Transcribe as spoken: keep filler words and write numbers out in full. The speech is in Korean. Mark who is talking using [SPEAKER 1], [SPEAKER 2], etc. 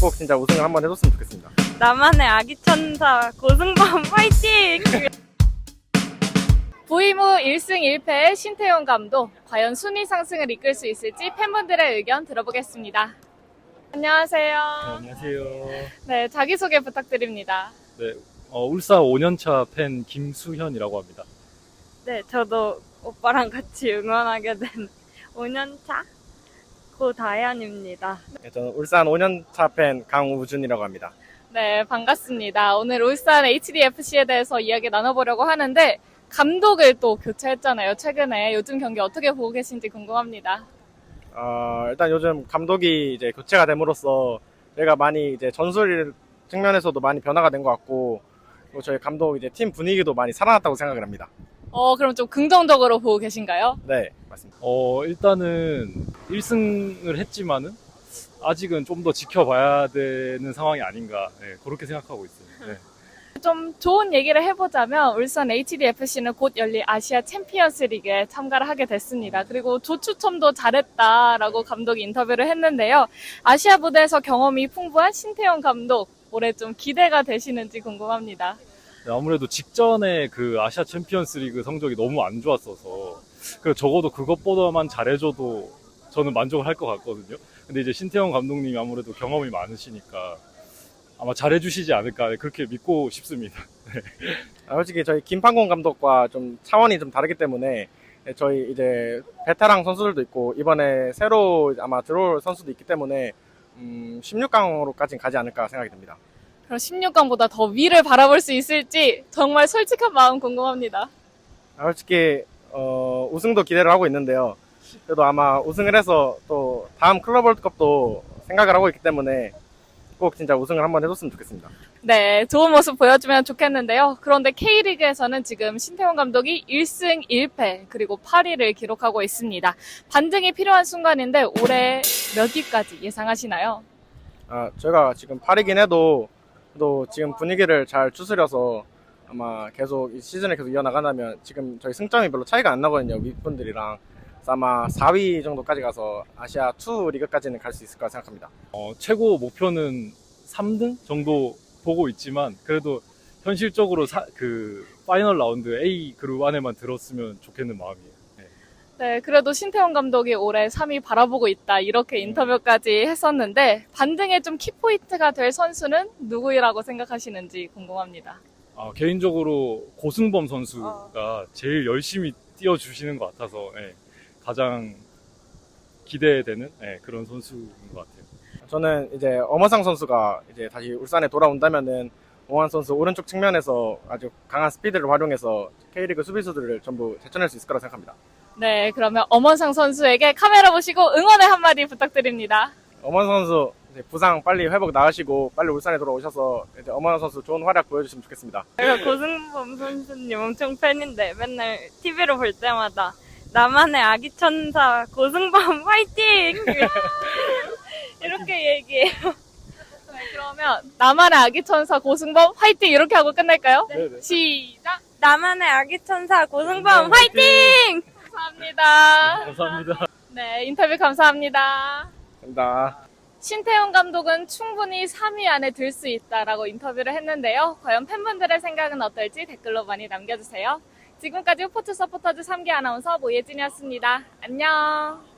[SPEAKER 1] 꼭 진짜 우승을 한번 해줬으면 좋겠습니다.
[SPEAKER 2] 나만의 아기 천사 고승범 파이팅!
[SPEAKER 3] 부임 후 일 승 일 패의 신태용 감독, 과연 순위 상승을 이끌 수 있을지 팬분들의 의견 들어보겠습니다. 안녕하세요.
[SPEAKER 4] 네, 안녕하세요.
[SPEAKER 3] 네, 자기소개 부탁드립니다.
[SPEAKER 4] 네, 어, 울산 오 년차 팬 김수현이라고 합니다.
[SPEAKER 2] 네, 저도 오빠랑 같이 응원하게 된 오 년차 고다현입니다.
[SPEAKER 1] 네, 저는 울산 오 년차 팬 강우준이라고 합니다.
[SPEAKER 3] 네, 반갑습니다. 오늘 울산 에이치디에프씨에 대해서 이야기 나눠보려고 하는데 감독을 또 교체했잖아요. 최근에 요즘 경기 어떻게 보고 계신지 궁금합니다.
[SPEAKER 1] 어, 일단 요즘 감독이 이제 교체가 됨으로써 저희가 많이 이제 전술 측면에서도 많이 변화가 된 것 같고, 그리고 저희 감독 이제 팀 분위기도 많이 살아났다고 생각을 합니다.
[SPEAKER 3] 어, 그럼 좀 긍정적으로 보고 계신가요?
[SPEAKER 1] 네, 맞습니다.
[SPEAKER 4] 어, 일단은 일 승을 했지만은 아직은 좀 더 지켜봐야 되는 상황이 아닌가, 네, 그렇게 생각하고 있어요. 네.
[SPEAKER 3] 좀 좋은 얘기를 해보자면 울산 에이치디에프씨는 곧 열릴 아시아 챔피언스 리그에 참가를 하게 됐습니다. 그리고 조추첨도 잘했다라고 감독이 인터뷰를 했는데요. 아시아 무대에서 경험이 풍부한 신태용 감독, 올해 좀 기대가 되시는지 궁금합니다.
[SPEAKER 4] 네, 아무래도 직전에 그 아시아 챔피언스 리그 성적이 너무 안 좋았어서, 그 적어도 그것보다만 잘해줘도 저는 만족을 할 것 같거든요. 근데 이제 신태용 감독님이 아무래도 경험이 많으시니까 아마 잘해주시지 않을까, 그렇게 믿고 싶습니다. 네.
[SPEAKER 1] 아, 솔직히 저희 김판곤 감독과 좀 차원이 좀 다르기 때문에 저희 이제 베테랑 선수들도 있고 이번에 새로 아마 들어올 선수도 있기 때문에 음, 십육 강으로까지는 가지 않을까 생각이 듭니다.
[SPEAKER 3] 그럼 십육 강보다 더 위를 바라볼 수 있을지 정말 솔직한 마음 궁금합니다.
[SPEAKER 1] 아, 솔직히 어, 우승도 기대를 하고 있는데요. 그래도 아마 우승을 해서 또 다음 클럽 월드컵도 생각을 하고 있기 때문에 꼭 진짜 우승을 한번 해줬으면 좋겠습니다.
[SPEAKER 3] 네, 좋은 모습 보여주면 좋겠는데요. 그런데 K리그에서는 지금 신태용 감독이 일 승 일 패 그리고 팔 위를 기록하고 있습니다. 반등이 필요한 순간인데 올해 몇 위까지 예상하시나요?
[SPEAKER 1] 아, 저희가 지금 팔 위긴 해도 또 지금 분위기를 잘 추스려서 아마 계속 이 시즌을 계속 이어나간다면 지금 저희 승점이 별로 차이가 안 나거든요. 윗분들이랑. 그래서 아마 사 위 정도까지 가서 아시아 투 리그까지는 갈 수 있을 거라 생각합니다.
[SPEAKER 4] 어, 최고 목표는 삼 등 정도 보고 있지만, 그래도 현실적으로 사, 그 파이널 라운드 A 그룹 안에만 들었으면 좋겠는 마음이에요. 네.
[SPEAKER 3] 네, 그래도 신태용 감독이 올해 삼 위 바라보고 있다 이렇게 인터뷰까지 했었는데 반등의 좀 키포인트가 될 선수는 누구라고 생각하시는지 궁금합니다.
[SPEAKER 4] 아, 개인적으로 고승범 선수가 제일 열심히 뛰어주시는 것 같아서, 예, 가장 기대되는, 예, 그런 선수인 것 같아요.
[SPEAKER 1] 저는 이제 엄원상 선수가 이제 다시 울산에 돌아온다면은 엄원 선수 오른쪽 측면에서 아주 강한 스피드를 활용해서 K리그 수비수들을 전부 제쳐낼 수 있을 거라 생각합니다.
[SPEAKER 3] 네, 그러면 엄원상 선수에게 카메라 보시고 응원의 한마디 부탁드립니다.
[SPEAKER 1] 엄원 선수 이제 부상 빨리 회복 나으시고 빨리 울산에 돌아오셔서 이제 엄원 선수 좋은 활약 보여주시면 좋겠습니다.
[SPEAKER 2] 제가 고승범 선수님 엄청 팬인데 맨날 티비로 볼 때마다 나만의 아기 천사 고승범 파이팅! 이렇게 얘기해요.
[SPEAKER 3] 네, 그러면 나만의 아기 천사 고승범 화이팅 이렇게 하고 끝낼까요?
[SPEAKER 4] 네.
[SPEAKER 3] 시작!
[SPEAKER 2] 나만의 아기 천사 고승범 파이팅!
[SPEAKER 3] 감사합니다.
[SPEAKER 4] 감사합니다.
[SPEAKER 3] 네, 인터뷰 감사합니다.
[SPEAKER 1] 감사합니다.
[SPEAKER 3] 신태용 감독은 충분히 삼 위 안에 들 수 있다라고 인터뷰를 했는데요. 과연 팬분들의 생각은 어떨지 댓글로 많이 남겨주세요. 지금까지 스포츠 서포터즈 삼 기 아나운서 모예진이었습니다. 안녕.